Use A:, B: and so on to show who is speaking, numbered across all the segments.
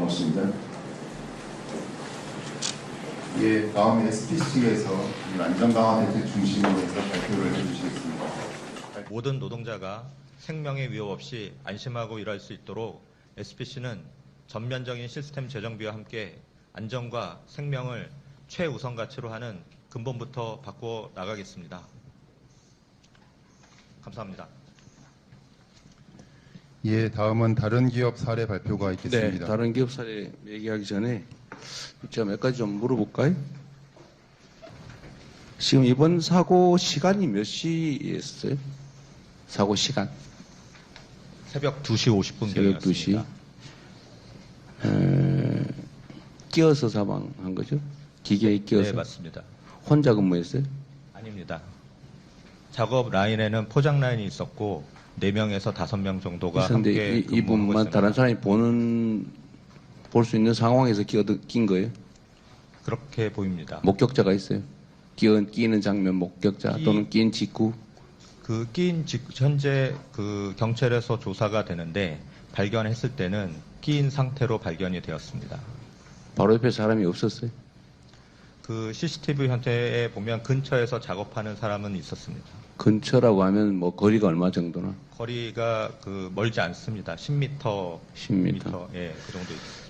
A: 고맙습니다. 예, 다음 SPC에서 안전강화 대책 중심으로 해서 발표를 해주시겠습니다.
B: 모든 노동자가 생명의 위협 없이 안심하고 일할 수 있도록 SPC는 전면적인 시스템 재정비와 함께 안전과 생명을 최우선 가치로 하는 근본부터 바꾸어 나가겠습니다. 감사합니다.
A: 예, 다음은 다른 기업 사례 발표가
C: 네,
A: 있겠습니다.
C: 다른 기업 사례 얘기하기 전에 제가 몇 가지 좀 물어볼까요? 지금 이번 사고 시간이 몇 시였어요? 사고 시간?
B: 새벽 2시 50분
C: 새벽 2시. 끼어서 사망한 거죠? 기계에 끼어서?
B: 네, 맞습니다.
C: 혼자 근무했어요?
B: 아닙니다. 작업 라인에는 포장 라인이 있었고 4명에서 5명 정도가 함께
C: 그런데
B: 근무하고
C: 이분만
B: 있습니다.
C: 다른 사람이 볼 수 있는 상황에서 낀 거예요?
B: 그렇게 보입니다.
C: 목격자가 있어요? 끼는 장면 목격자 또는 낀 직후?
B: 현재 경찰에서 조사가 되는데 발견했을 때는 끼인 상태로 발견이 되었습니다.
C: 바로 옆에 사람이 없었어요?
B: CCTV 현태에 보면 근처에서 작업하는 사람은 있었습니다.
C: 근처라고 하면 뭐 거리가 얼마 정도나?
B: 거리가 멀지 않습니다. 10m.
C: 10m.
B: 예, 그 정도 있습니다.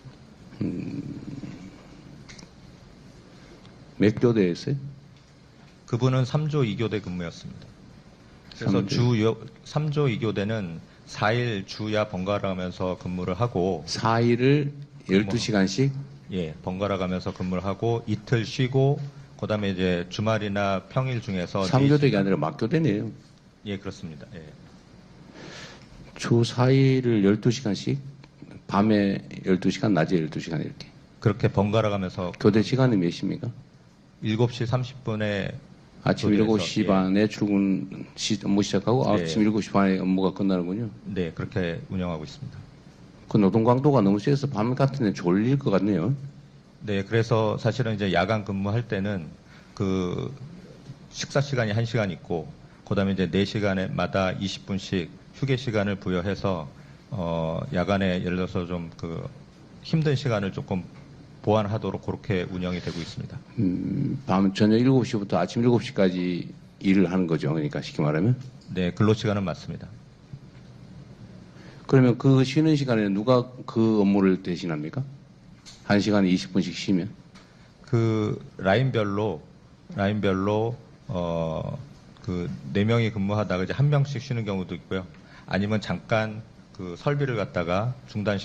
C: 몇 교대였어요?
B: 그분은 3조 2교대 근무였습니다. 그래서 3조 2교대는 4일 주야 번갈아 가면서 근무를 하고
C: 4일을 12시간씩?
B: 예, 번갈아 가면서 근무를 하고 이틀 쉬고 그다음에 이제 주말이나 평일 중에서
C: 3교대가 아니라 막교대네요.
B: 예, 그렇습니다. 예.
C: 주 4일을 12시간씩? 밤에 12시간, 낮에 12시간 이렇게.
B: 그렇게 번갈아 가면서
C: 교대 시간이 몇 시입니까?
B: 7시 30분에
C: 아침
B: 교대에서,
C: 7시
B: 예.
C: 반에 업무 시작하고
B: 예.
C: 아침 7시 반에 업무가 끝나는군요.
B: 네, 그렇게 운영하고 있습니다.
C: 그 노동 강도가 너무 세서 밤 같은 데 졸릴 것 같네요.
B: 네, 그래서 사실은 이제 야간 근무할 때는 식사 시간이 1시간 있고 그다음에 이제 4시간마다 20분씩 휴게 시간을 부여해서 야간에 예를 들어서 좀 힘든 시간을 조금 보완하도록 그렇게 운영이 되고 있습니다.
C: 밤 저녁 7시부터 아침 7시까지 일을 하는 거죠. 그러니까 쉽게 말하면.
B: 네, 근로 시간은 맞습니다.
C: 그러면 그 쉬는 시간에 누가 그 업무를 대신합니까? 1시간에 20분씩 쉬면?
B: 라인별로 4명이 근무하다가 이제 1명씩 쉬는 경우도 있고요. 아니면 잠깐 설비를 갖다가 중단